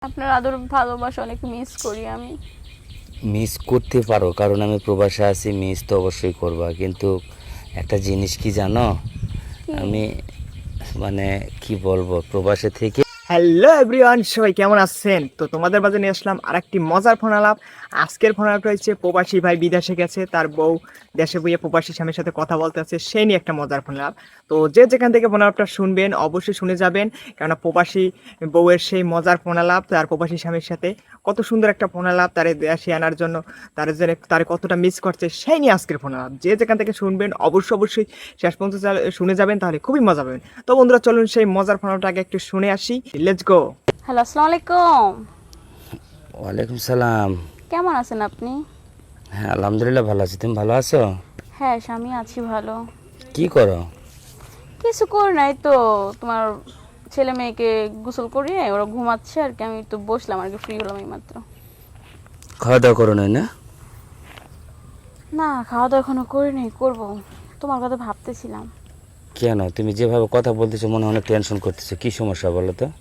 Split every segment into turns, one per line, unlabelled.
আপনার আদর ভালোবাসা অনেক মিস করি আমি।
মিস করতে পারো, কারণ আমি প্রবাসে আছি, মিস তো অবশ্যই করবা, কিন্তু একটা জিনিস কি জানো?
কি?
আমি মানে কি বলবো, প্রবাসে থেকে
হ্যালো এভরিওয়ান, সবাই কেমন আছেন? তো তোমাদের মাঝে নিয়ে আসলাম আরেকটি মজার ফোন আলাপ। আজকের ফোন আলাপটা হচ্ছে প্রবাসী ভাই বিদেশে গেছে, তার বউ দেশে বইয়ে প্রবাসী স্বামীর সাথে কথা বলতে আছে, সেই নিয়ে একটা মজার ফোন আলাপ। তো যে যেখান থেকে ফোন আলাপটা শুনবেন অবশ্যই শুনে যাবেন, কেননা প্রবাসী বউয়ের সেই মজার ফোন আলাপ তার প্রবাসী স্বামীর সাথে কত সুন্দর একটা ফোন আলাপ, তারে দেশে আনার জন্য তারে কতটা মিস করছে সেই নিয়ে আজকের ফোন আলাপ। যে যেখান থেকে শুনবেন অবশ্যই শেষ পর্যন্ত শুনে যাবেন, তাহলে খুবই মজা পাবেন। তো বন্ধুরা, চলুন সেই মজার ফোন আলাপটা আগে একটু শুনে আসি। Let's go.
হ্যালো, আসসালামু আলাইকুম।
ওয়ালাইকুম সালাম।
কেমন আছেন আপনি?
হ্যাঁ, আলহামদুলিল্লাহ ভালো আছি। তুমি ভালো আছো?
হ্যাঁ, স্বামী আছি ভালো।
কি করো?
কিছু করি নাই তো, তোমার ছেলে মেয়েকে গোসল করিয়ে ওরা ঘুমাচ্ছে আর কি, আমি তো বসলাম আর কি, ফ্রি হলাম এই মাত্র।
খাওয়া দাওয়া করো নাই না?
না, খাওয়া দাওয়া এখনো করি নাই, করবো। তোমার কথা ভাবতেছিলাম।
কেন, তুমি যেভাবে কথা বলতেছো মনে হয় অনেক টেনশন করতেছো, কি সমস্যা বলো তো?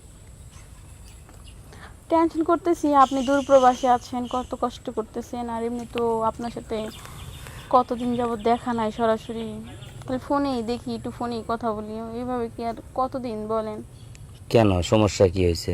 টেনশন করতেছি, আপনি দূর প্রবাসে আছেন, কত কষ্ট করতেছেন, আর এমনি তো আপনার সাথে কতদিন যাবত দেখা নাই সরাসরি, তাহলে ফোনেই দেখি, একটু ফোনেই কথা বলি, এইভাবে কি আর কতদিন বলেন?
কেন, সমস্যা কি হয়েছে?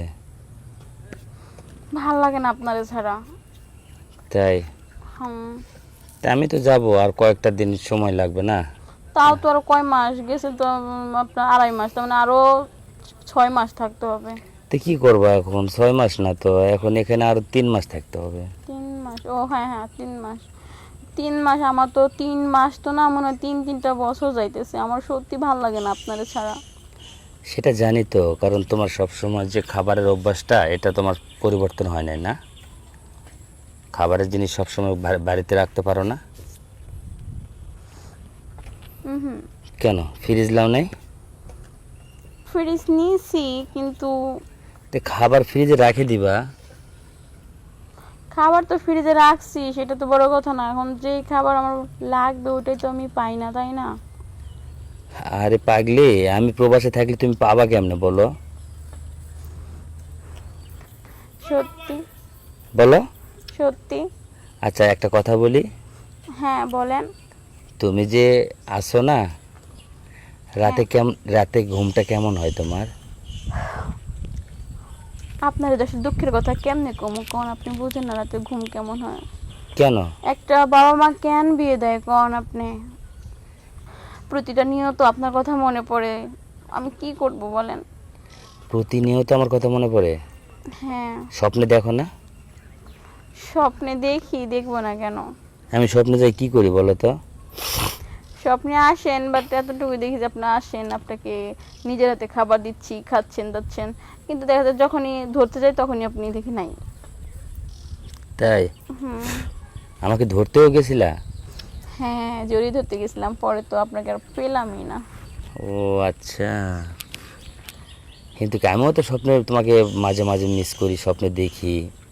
ভাল লাগে না আপনারে ছাড়া।
তাই?
হুম।
তা আমি তো যাব, আর কয়েকটা দিন সময় লাগবে না?
তাও তো আরো কয় মাস গেছে তো, আপনার 2.5 মাস, তার মানে আরো 6 মাস থাকতে হবে।
তো কি করবো এখন? 6 মাস না তো, এখন এখানে আরো 3 মাস থাকতে হবে।
3 মাস? ও হ্যাঁ হ্যাঁ, 3 মাস। 3 মাস? আমার তো 3 মাস তো না, মনে হয় 3-3টা বছর যাইতেছে। আমার সত্যি ভাল লাগে না আপনারে ছাড়া।
সেটা জানি তো, কারণ তোমার সব সময় যে খাবারের অভ্যাসটা, এটা তোমার পরিবর্তন হয় নাই না? খাবারের জিনিস সবসময় বাড়িতে রাখতে পারো না?
হুম।
কেন, ফ্রিজ লাও নাই?
ফ্রিজ নিয়েছি, কিন্তু
তো খাবার ফ্রিজে রাখে দিবা।
খাবার তো ফ্রিজে রাখছি, সেটা তো বড় কথা না। এখন যেই খাবার আমার লাগবে ওটাই তো আমি পাই না, তাই না?
আরে পাগলি, আমি প্রবাসে থাকলে তুমি পাবা কেমনে বলো?
সত্যি?
বলো।
সত্যি?
আচ্ছা, একটা কথা বলি।
হ্যাঁ বলেন।
তুমি যে আসো না,
হ্যাঁ,
রাতে ঘুমটা কেমন হয় তোমার?
আপনার দেশের দুঃখের কথা কেমনে কমু কোন? আপনি বুঝেন না রাতে ঘুম কেমন হয়?
কেন?
একটা বাবা মা কেন বিয়ে দেয় কোন আপনি? প্রতিটা নিয়ত আপনার কথা মনে পড়ে, আমি কি করব বলেন?
প্রতিনিয়ত আমার কথা মনে পড়ে?
হ্যাঁ।
স্বপ্নে দেখো না?
স্বপ্নে দেখি, দেখবো না কেন?
আমি স্বপ্নে যাই কি করি বলো তো?
স্বপ্নে আসেন, বাট এতটুকু দেখি যে আপনি আসেন, আপনাকে নিজের হাতে খাবার দিচ্ছি, খাচ্ছেন দাচ্ছেন, কিন্তু দেখা যায় যখনই ধরতে যাই তখনই আপনি দেখি নাই।
তাই?
হুম।
আমাকে ধরতেও গেছিলা?
হ্যাঁ, জড়িয়ে ধরতে গেছিলাম, পরে তো আপনাকে আর পেলামই না।
ও আচ্ছা। কিন্তু আমিও তো স্বপ্নে তোমাকে মাঝে মাঝে মিস করি, স্বপ্নে দেখি।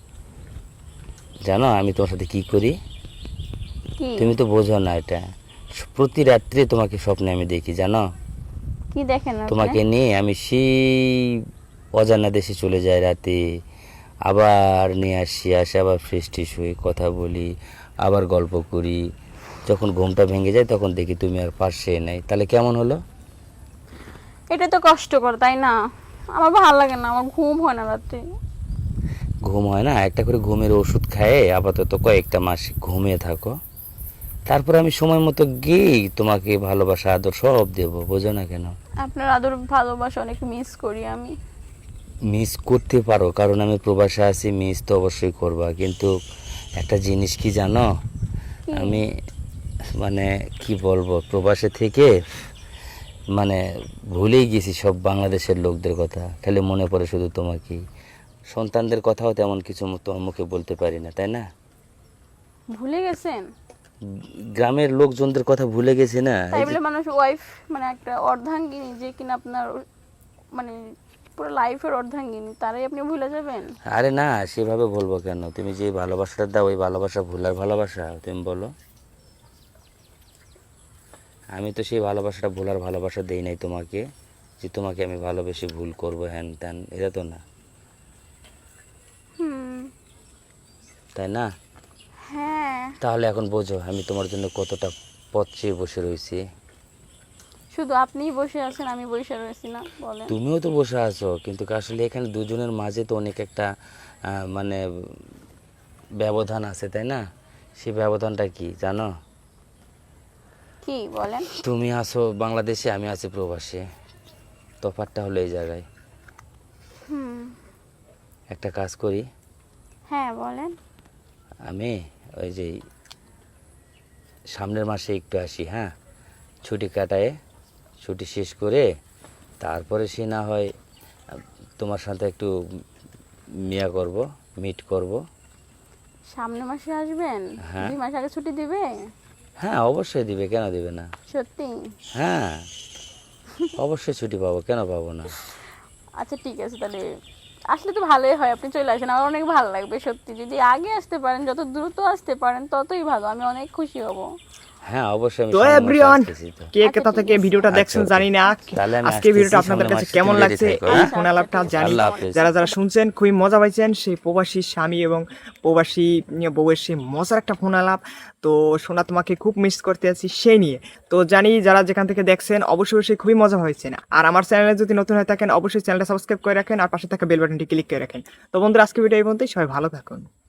জানো আমি তোমার সাথে কি করি?
কি?
তুমি তো বোঝো না এটা। প্রতি রাত্রে তোমাকে স্বপ্নে আমি দেখি, জানো?
কি দেখেন আপনি?
তোমাকে নিয়ে আমি সেই অজানা দেশে চলে যাই রাতে, আবার নিয়ে আসি, আসে আবার ফ্রেশ ট্রেশ হই, কথা বলি, আবার গল্প করি। যখন ঘুমটা ভেঙে যায় তখন দেখি তুমি আর পাশে নাই। তাহলে কেমন হলো?
এটা তো কষ্টকর, তাই না? আমার ভালো লাগে না, আমার ঘুম হয় না রাতে।
ঘুম হয় না? একটা করে ঘুমের ওষুধ খায়ে আপাতত কয়েকটা মাস ঘুমিয়ে থাকো, তারপর আমি সময় মতো গিয়ে তোমাকে ভালোবাসা আদর সব দেবো, বোঝো না কেন?
আপনার আদর ভালোবাসা অনেক মিস করি আমি।
মিস করতে পারো, কারণ আমি প্রবাসে আছি, মিস তো অবশ্যই করবা, কিন্তু একটা জিনিস কি জানো?
কি?
আমি মানে কি বলবো, প্রবাসে থেকে মানে ভুলেই গেছি সব বাংলাদেশের লোকদের কথা, খালি মনে পড়ে শুধু তোমাকেই। সন্তানদের কথাও তেমন কিছু তোমার মুখে বলতে পারি না, তাই না?
ভুলে গেছেন?
গ্রামের লোকজনদের কথা ভুলে গেছি না,
তাই
এই যে।
বলে মানুষ ওয়াইফ, মানে একটা অর্ধাঙ্গিনী যে কিনা আপনার, মানে পুরো লাইফের অর্ধাঙ্গিনী, তারাই আপনি ভুলে যাবেন?
আরে না, সেভাবে বলবো কেন? তুমি যে ভালোবাসাটা দাও, ওই ভালোবাসা ভুলার ভালোবাসা তুমি বলো? আমি তো সেই ভালোবাসাটা ভোলার ভালোবাসা দেই নাই তোমাকে, যে তোমাকে আমি ভালোবেসে ভুল করবো হ্যান ত্যান, এটা তো না। তাই না?
হ্যাঁ,
তাহলে এখন বোঝো আমি তোমার জন্য কতটা পথ চেয়ে বসে রয়েছি।
শুধু আপনিই বসে আছেন, আমি বসে রয়েছি না, বলেন।
তুমিও তো বসে আছো, কিন্তু আসলে এখানে দুজনের মাঝে তো অনেক একটা মানে ব্যবধান আছে, তাই না? সেই ব্যবধানটা কি জানো?
কি বলেন?
তুমি আছো বাংলাদেশে, আমি আছি প্রবাসে। তফাৎটা হলো এই জায়গায়।
হুম,
একটা কাজ করি,
হ্যাঁ বলেন।
আমি ওই যে সামনের মাসে একটু আসি, হ্যাঁ, ছুটি কাটায়, ছুটি শেষ করে তারপরে সে না হয় তোমার সাথে একটু মিয়া করব, মিট করব।
সামনের মাসে আসবেন?
হ্যাঁ।
2 মাস আগে ছুটি দিবে?
হ্যাঁ অবশ্যই দিবে, কেন দিবে না?
সত্যি?
হ্যাঁ অবশ্যই ছুটি পাবো, কেন পাবো না?
আচ্ছা ঠিক আছে, তাহলে আসলে তো ভালোই হয়, আপনি চলে আসেন, আমার অনেক ভালো লাগবে সত্যি। যদি আগে আসতে পারেন, যত দ্রুত আসতে পারেন ততই ভালো, আমি অনেক খুশি হব।
হ্যাঁ অবশ্যই আমি
তো
সামনের মাসে
এভরিওয়ান,
আসতেছি তো।
কে
আচ্ছা,
কোথা
ঠিক
থেকে
আছে।
ভিডিওটা
আচ্ছা,
দেখছেন
ওকে।
জানি না।
তাহলে আমি
আজকে ভিডিওটা
আসতেছি,
আপনাদের
সামনের
কাছে
মাসে
কেমন
তুমি ready
লাগছে
থেকো,
এই
হ্যাঁ?
ফোন আলাপটা
আচ্ছা,
জানি।
আল্লাহ হাফেজ।
যারা যারা শুনছেন খুবই মজা পাইছেন, সেই প্রবাসী স্বামী এবং প্রবাসী বউয়ের সেই মজার একটা ফোন আলাপ। তো সোনা তোমাকে খুব মিস করতে আছি সেই নিয়ে। তো জানি যারা যেখান থেকে দেখছেন অবশ্যই অবশ্যই খুবই মজা হয়েছে। আর আমার চ্যানেলে যদি নতুন হয়ে থাকেন অবশ্যই চ্যানেলটা সাবস্ক্রাইব করে রাখেন আর পাশে থাকা বেল বাটনটি ক্লিক করে রাখেন। তো বন্ধুরা আজকে ভিডিও এই পর্যন্তই, সবাই ভালো থাকুন।